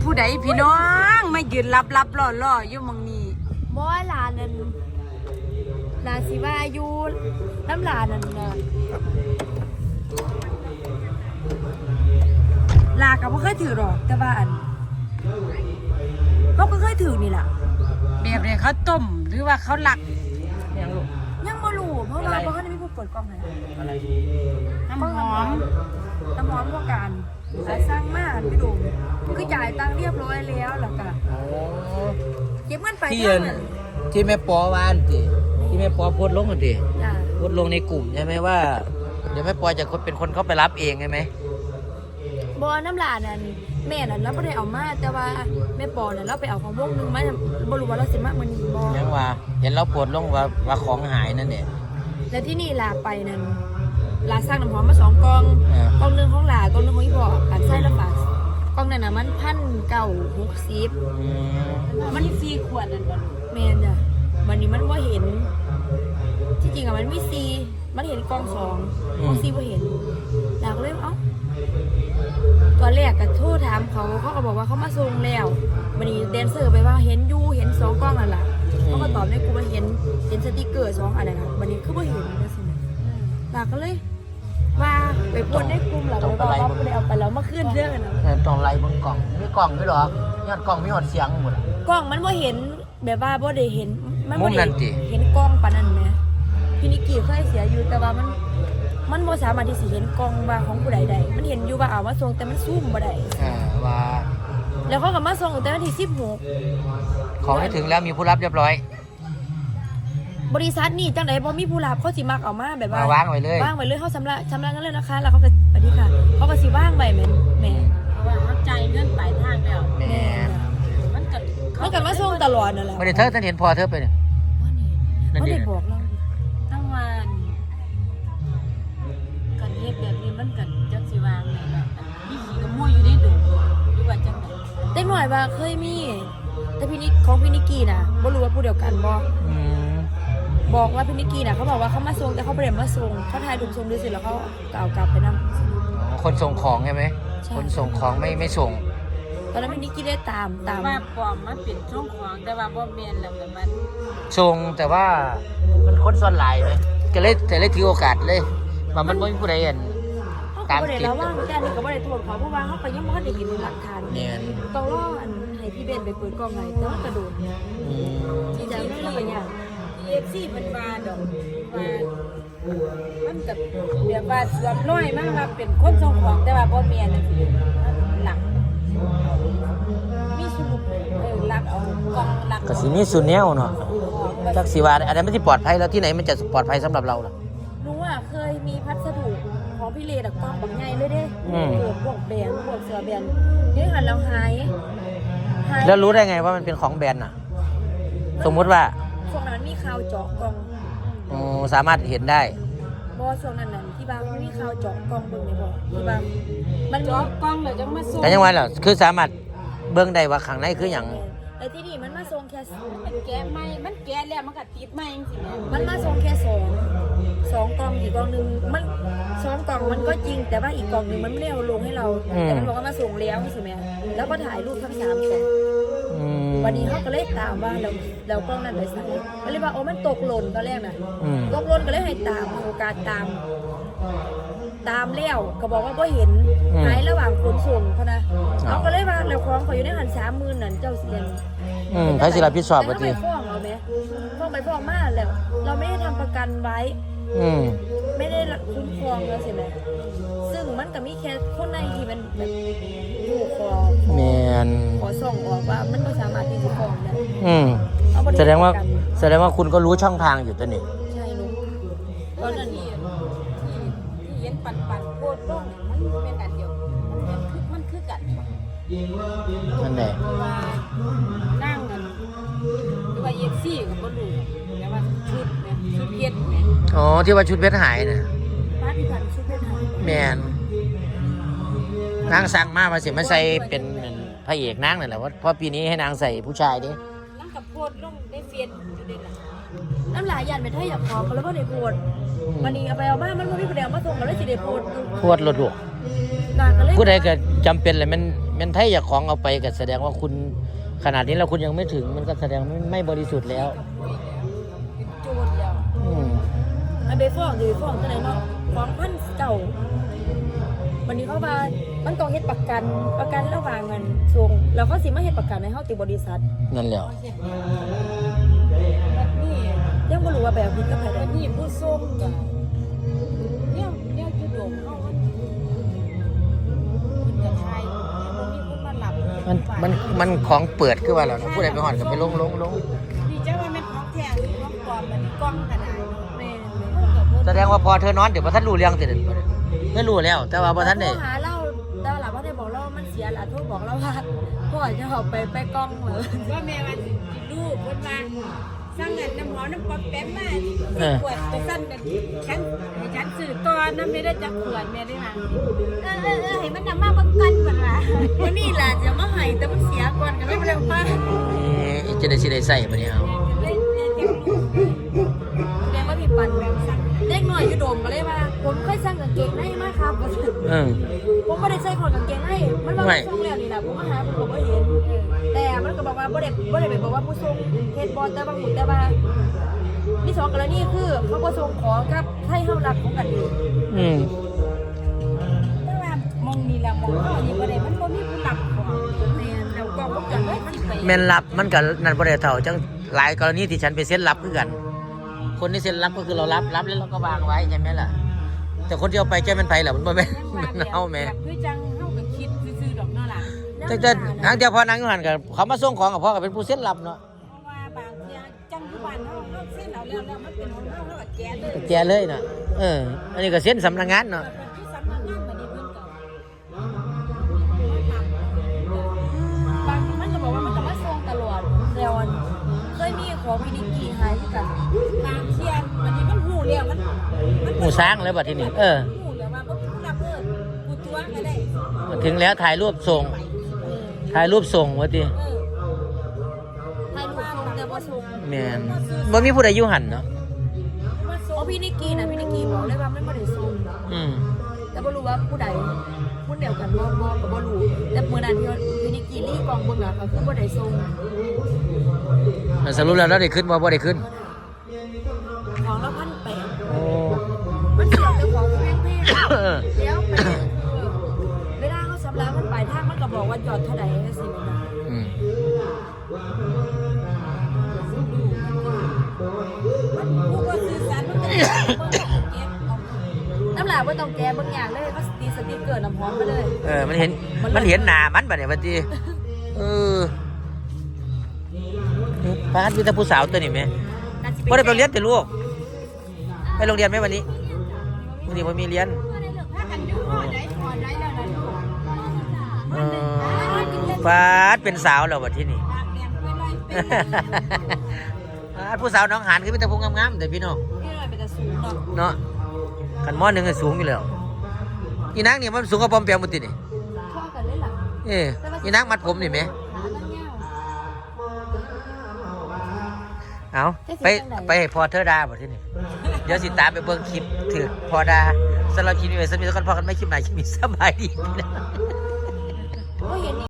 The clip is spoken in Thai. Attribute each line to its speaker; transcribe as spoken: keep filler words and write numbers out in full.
Speaker 1: ผู้ใดพี่น้องไม่ยืนรับรับล่อล่ออยู่มองนี้
Speaker 2: บ่ลานั่นลาสิว่าอยู่น้ำลานั่นน่ะลากับบ่เคยถือหรอกแต่ว่าอันเขาก็เคยถือนี่แหละ
Speaker 1: แบบนี้เขาต้มหรือว่าเขาหลัก
Speaker 2: ยังลูกยังบ่รู้เพราะว่าบ่ทันได้มีผู้เปิดกล้องให้อะไร
Speaker 1: น้ำหอม
Speaker 2: น้ำหอมพวกกันสร้างมาพี่ดูคือจ่ายตังค์เรียบร้อยแล้วแล้วก็เก็บเงินไป
Speaker 3: ที่ที่แม่ปอวานสิที่แม่ปอโพสลงกันดิโพสลงในกลุ่มใช่ไหมว่าเดี๋ยวแม่ปอจะเป็นคนเข้าไปรับเองใช่ไหม
Speaker 2: บอน้ำลานั่นแม่นั่นเราไม่ได้เอามาแต่ว่าแม่ปอนั่นเราไปเอาของวงนึงมาบรู้ว่าเราสิมากมันนี่บอ
Speaker 3: ยังว่าเห็นเราโพสลงว่าว่าของหายนั่นเนี่ย
Speaker 2: แล้วที่นี่ลาไปนั่นลาสร้างน้ำหอมมาสองกองกองนึงของลากองนึงของอีพ่อการใส่ละบาทกองนั่นน่ะมันพันเก้าหกสิบ
Speaker 1: มันสี่ขวดนั่นก่อน
Speaker 2: แม่จ้ะวันนี้มันว่าเห็นที่จริงอะมันมีซีมันเห็นกองสองกองซีว่าเห็นลาก็เลยเอ้าตอนแรกก็โทรถามเขาเขาก็บอกว่าเขามาส่งแล้ววันนี้แดนเซอร์ไปว่าเห็นยูเห็นสองกล้องนั่นแหละเขาก็ตอบในกูว่าเห็นเห็นสติกเกอร์สองอะไรนะวันนี้คือว่าเห็นนะสิลาก็เลยว่าไปพูดในกลุ่มหลังแล้วก็เราไปเอาไปแล้วมาขึ้นเรื่องนะ
Speaker 3: ต้องไล่บนกล่องมีกล่องด้วยหรอยอดกล่องมีหอดเสียงหมด
Speaker 2: กล้องมันว่าเห็นแบบว่าบ่ได้เห็นมันบ่ได้เห็นกล้องปานนั้นไหมพี่นิกกี้เคยเสียอยู่แต่ว่ามันมันบ่สามารถที่สิเห็นกล้องว่าของผู้ใดใดมันเห็นอยู่ว่าเอามาส่งแต่มันซูมบ่ได้
Speaker 3: อ่าว่า
Speaker 2: แล้วเขาก็มาส่งแต่วันที่สิบหก
Speaker 3: ของให้ถึงแล้วมีผู้รับเรียบร้อย
Speaker 2: บริษัทนี่จังไดบ่มีผู้รับเขาสิมักเอามาแบบว่
Speaker 3: าวางไว้เลยว
Speaker 2: างไว้เลยเขาชำระชำระเงินเลยนะคะแล้วเขาก็สวัสดีค่ะเขาก็สิวางไว้แม่แม่
Speaker 1: เพราะว่าเขาจ่ายเงินปลายทางแล้ว
Speaker 3: แม่
Speaker 1: มันก็
Speaker 2: มันก็มาส่งตลอดนั่นแหละ
Speaker 3: ไม่ได้เธอท่านเห็นพอเธอไปเนี่ย
Speaker 2: เขาได้บอกเรา
Speaker 1: ตั้งวันกันเฮ็ดแบบนี้มันกันจักสิวางเลยล่ะมีขี้กระมุ้ยอยู่ในดุหรือว่าจังได๋
Speaker 2: เด็กหน่อยว่าเคยมีแต่พี่นิกของพี่นิกกี้น่ะบ่รู้ว่าผู้เดียวกันบ่บอกว่าพี่นิกกี้น่ะเขาบอกว่าเขามาส่งแต่เขาไม่ได้มาส่งเขาถ่ายรูปส่งด้วยสิแล้วเขากล่าวกลับไปนั่ง
Speaker 3: คนส่งของใช่ไหมคนส่งของไม่ไม่ส่ง
Speaker 2: ตอนนั้นพี่นิกกี้ได้ตามตาม
Speaker 1: ว่าปลอมมาปิดช่องของแต่ว่าบ่แม่นแล้วแต่มัน
Speaker 3: ส่งแต่ว่ามันคนซ้อนหลายไหมก็เลยแต่เลยถือโอกาสเลยว่ามันไม่มีผู้ใดเห็น
Speaker 2: ตามติดแล้วว่าแต่อันนี้ก็ไม่ได้ตรวจเขาเพราะว่าเขาไปยังไม่ได้เห็นหลักฐาน
Speaker 3: เนี่ย
Speaker 2: ต้องรอให้พี่เบนไปเปิดกล้องไงแต่ว่ากระโดดที่จะไม่ได้เป็นอย่าง
Speaker 1: เอฟซีมันมาดอกมามันกับเดี๋ยวว่าสวมน้อยมากมาเป็นคนส่งของแต่ว่าบ่แม่นจังซี่หลักมีสรุปเออหลักเอากล่องหลัก
Speaker 3: ก็สิมีสุนแนวเนาะจักสิว่าอันนั้นไม่ที่ปลอดภัยแล้วที่ไหนมันจะปลอดภัยสำหรับเราล่ะ
Speaker 2: รู้อ่ะเคยมีพัสดุของพี่เลดกล่องแบบใหญ่เลยเด้พวกแบรนด์พวกเสื้อแบรนด์นี่หันแล้วหาย
Speaker 3: แล้วรู้ได้ไงว่ามันเป็นของแบรนด์น่ะสมมติว่า
Speaker 2: ช่วงนั้นมีข่าวเจาะกล่อง
Speaker 3: อ๋อสามารถเห็นได้
Speaker 2: บอช่วงนั้นน่ะที่บ้านมีข่าวเจาะกล่องเบิ่งได้บ่ที่บ้าน
Speaker 1: มันเจาะกล่องเลยจังมาส่ง
Speaker 3: แต่ยังไงล่ะคือสามารถเบิ่งได้ว่าข้างในคือหยัง
Speaker 2: แต่ที่นี่มันมาส่งแค่
Speaker 1: มันแก้ไม่มันแก้แล้วมันก็ติดไม่จังซี่แม่
Speaker 2: มันมาส่งแค่สองสองกล่องอีกกล่องนึงมันสองกล่องมันก็จริงแต่ว่าอีกกล่องนึงมันไม่ได้เอาลงให้เราแต่มันบอกว่ามาส่งแล้วใช่มั้ยแล้วก็ถ่ายรูปทั้งสามกล่องวันนี้เขาก็เลยตามว่าเราเรากล้องนั้นไปใส่ก็เลยว่าโอ้มันตกหล่นตอนแรกน่ะตกหล่นก็เลยให้ตามโอกาสตามตามแล้วก็บอกว่าก็เห็นหายระหว่างขนส่งเขานะเขาก็เลยว่าเราคล้องเขาอยู่ในหันสามหมื่นนั่นเจ้าเสียง
Speaker 3: อืมใครสิรับผิดชอบบ่ติ
Speaker 2: ฟ้องเราไหมฟ้องไปฟ้องมาแล้วเราไม่ได้ทำประกันไว้
Speaker 3: อืม
Speaker 2: ไม่ได้คุ้มครองแล้วใช่ไหมซึ่งมันก็มีแค่คนในที่มันแบบถูกคอ
Speaker 3: แมน
Speaker 2: ขอส่งออกว่ามันไม่สามารถที่จะฟ้องได้
Speaker 3: อืมแสดงว่าแสดงว่าคุณก็รู้ช่องทางอยู่ตัวนี้
Speaker 2: ใช่รู้ตอนนั้น
Speaker 1: ที่ที่เห็นปั่นปั่นโคตรร่องมันเป็นอันเดียวมันคือมันคือกัน
Speaker 3: นั่นแหละ
Speaker 1: นั่งกันหรือว่าเอฟซีกับคนดูแต่ว่าชุดเนี่ยชุดเพชรเนี่ย
Speaker 3: อ๋อที่ว่าชุดเพชรหายน่ะ
Speaker 2: ป้าที่ผ่านชุดเพชรหาย
Speaker 3: แมนนางสั่งมามาเสียมาใส่เป็นพระเอกนางนั่นแหละเพราะปีนี้ให้นางใส่ผู้ชายดิ
Speaker 1: นั่งกับโพดลงได้เฟียนอยู่เด็ดละ
Speaker 2: น้ำลายยันเป็นไทยอยากพอกันแล้วก็ได้โพดวันนี้เอาไปเอาบ้านมันไม่มีประเดี๋ยวมาส่งกันแล้วสิได้โพด
Speaker 3: โพดหลุดหลุดผู้ใดเกิดจำเป็นเลยมันแม่นไทยอยากของเอาไปก็แสดงว่าคุณขนาดนี้แล้วคุณยังไม่ถึงมันก็แสดงไม่ไม่บริสุทธิ์แล้ว
Speaker 1: เป็นโจรแล้ว
Speaker 3: อืม
Speaker 2: อันไปฟ้องหรือฟ้องตัวไหนเนาะฟ้องพันเก่าวันนี้เขาว่ามันต้องเฮ็ดประกันประกันระหว่างเงินส่งแล้วเขาสิมาเฮ็ดประกันในเฮาติบริษัท
Speaker 3: นั่นแหละ
Speaker 1: แบบนี้
Speaker 2: ยังบ่รู้ว่าแบบผิดกับไผ
Speaker 1: แบ
Speaker 2: ได้
Speaker 1: บนี้ผู้ส่งก็เนี่ยเนี่ยจุดโด่งเฮามันมันจะไทยเนี่ยบ่มีคนมาหลับ
Speaker 3: มันมันมันของเปิดขึ้นมาแล้วนะผู้ใดไปหอดก็ไปลงลงลง
Speaker 1: นี่จ้าว่าแม่นของแท้หรือของปลอมมันนี่กล้องขนาดแม่น
Speaker 3: แสดงว่าพอเธอนอนเดี๋ยวพอท่านรู้เรื่องเสร็จไม่รู้แล้ว แต่ว่าพอท่านเนี่ย
Speaker 2: โทรหาเราแต่ว่าหลับว่าได้บอกเราว่ามันเสียหล่ะโทรบอกเราว่าพ่อจะเอาไปไปกล้องเหรอ
Speaker 1: ว่าแม่ว่าสิลูกเพิ่นว่าสร้างเงินน้ำหอมน้ำปอมแป๊มมาขวดไปสั่นกันฉันให้ฉันซื้อก่อนน้ำไม่ได้จักขวดแม่ได้มาเออเออเออให้มันนำมาเบิ่งกันเพิ่นว่าวันนี้ล่ะจะมาให้แต่มันเสียก่อนก็เลยบ่ได้เอามา
Speaker 3: อีจะได้สิได้ใส่ปะเนี่ยเอา
Speaker 1: เลยเลยจักลูก
Speaker 2: แดงว่าพี่ปันแบบสั่งเด็กหน่อยอยู่โดมก็เลยว่าผมเคยสั่งกางเกงในมาครับ
Speaker 3: เออ
Speaker 2: ผมไม่ได้ใส่ของกางเกงในมันว่า
Speaker 3: ไม่
Speaker 2: ผู้ส่งแล้วนี่แหละผมมาหาผมก็บ่เห็นแต่มันก็บอกว่าบ่ได้บ่ได้ไปบอกว่าผู้ส่งเฮ็ดบ่แต่บางหมุดแต่ว่ามีสองกรณีคือเขาบ่ส่งของกับให้เฮารับของกันเอง
Speaker 3: อืม
Speaker 1: แต่ว่ามองนี่ล่ะมองเฮานี่บ่ได้มันบ่มีผู้รับของแม่นแล้วกล้องวงจรปิดมันสิไป
Speaker 3: แม่นรับมันกับนั่นบ่ได้เท่าจังหลายกรณีที่ฉันไปเซ็นรับคือกัน คนที่เซ็นรับก็คือเรารับรับแล้วเราก็วางไว้ใช่ไหมล่ะ แต่คนที่เอาไปแก้เป็นไผเหรอมันบ่แม่นมันเอาแม่
Speaker 1: คือจังเฮาก็คิดซื่อๆดอกเนาะล่ะ
Speaker 3: แต่แต่ทางเดียวพอนางอยู่หันกับเขามาส่งของกับพ่อก็เป็นผู้เซ็นรับเนาะ
Speaker 1: เพราะว่าบางเที่ยจังทุกวันเฮาเฮาเส้นเอาแล้วแล้วมันเป็นของเฮาเฮาก็แก้เลย
Speaker 3: แกเลยน่ะเอออันนี้ก็เซ็นสำนักงานเนาะ
Speaker 1: ที่สำนักงานบัดนี้เพิ่นก็
Speaker 2: บางทีมันก็บอกว่ามันก็มาส่งตลอดแล้วอันเคยมีของพินิกีหายที่กัน
Speaker 1: บางเที่ยบัดนี้มันหูแล้วมันมัน
Speaker 3: หมู่สร้างเลยบัดที่นี่เออ
Speaker 1: หูแล้วว่าบ่มีผู้รับเด้อกูตัวก็ได้
Speaker 3: ถึงแล้วถ่ายรูปส่ง ถ่ายรูปส่งว่าติ
Speaker 1: เออ
Speaker 2: ให้ลูกส่งแต่บ่ส่ง
Speaker 3: แม่นบ่มีผู้ใดอยู่หันเนาะ
Speaker 1: มาส่
Speaker 2: เพ
Speaker 1: ง
Speaker 2: ราะพี่นิกกี้นะพี่นิกกี้บอกเลยว่ามันไม่ได้ส่ง
Speaker 3: อืม
Speaker 2: แต่บ่รู้ว่าผู้ใดผู้เดียวกันบ่บ่ก็บ่รู้แต่เมื่อนั้นที่ว่าพี่นิกกี้รีกองเบิ่งอ่ะก็คือบ่ได้ส่ง
Speaker 3: แล้วสรุปแล้วเราได้ขึ้นบ่บ่ได้ขึ้น
Speaker 2: ของละพันแปด
Speaker 3: โอ้
Speaker 2: มันเสียแต่ของแพง
Speaker 3: เออ
Speaker 2: ๆแล้วประเด็นคือเวลาเขาสำรับมันปลายทางมันก็บอกว่าจอดเท่าใดจังซี่แม่นบ่
Speaker 3: อืม
Speaker 1: มันผู้ว่าสื่อสารมันก็ได้เบิ่งเก็บเอา
Speaker 2: น้ำหลากบ่ต้องแก้เบิ่งอย่างเลยเขาติดสติ๊กเกอร์น้ำหอมมาเลย
Speaker 3: เออมันเห็นมันเห็นหน้ามันบัดเนี่ยบัดนี้เออพาดมีแต่ผู้สาวตัวนี้แม่
Speaker 2: น่าสิ
Speaker 3: บ่ได้ไปเรียนแต่ลูกไปโรงเรียนไหมวันนี้วันนี้บ่มีเรียน
Speaker 1: ถ้ากันอยู่พอได้พอได้แล้วนะลูก
Speaker 3: เออฟาดเป็นสาวแล้วบัดที่นี่
Speaker 1: ปากแดงไปเลยเป็น
Speaker 3: ฟาดผู้สาวน้องหานคือมีแต่ผู้งามๆแต่พี่น้อง
Speaker 2: พี่น้อยเป็นแต่สูงเนาะ
Speaker 3: เนาะขันหม้อหนึ่งก็สูงอยู่แล้วอีนางนี่มันสูงกว่าปอมเปียมมุตินี่
Speaker 2: พ่อกันเลยล่ะ
Speaker 3: เอ้อีนางมัดผมนี่ไหม
Speaker 2: ขาตั้งยาว
Speaker 3: เอาไปไปให้พอเธอดาบ่ที่นี่เดี๋ยวสิตามไปเบิ่งคลิปถือพอดาสำหรับคลิปนี้ไว้สมีสักคนพอกันไม่คลิปไหนคลิปนี้สบายดีพี่น้อง
Speaker 2: ก็เห็น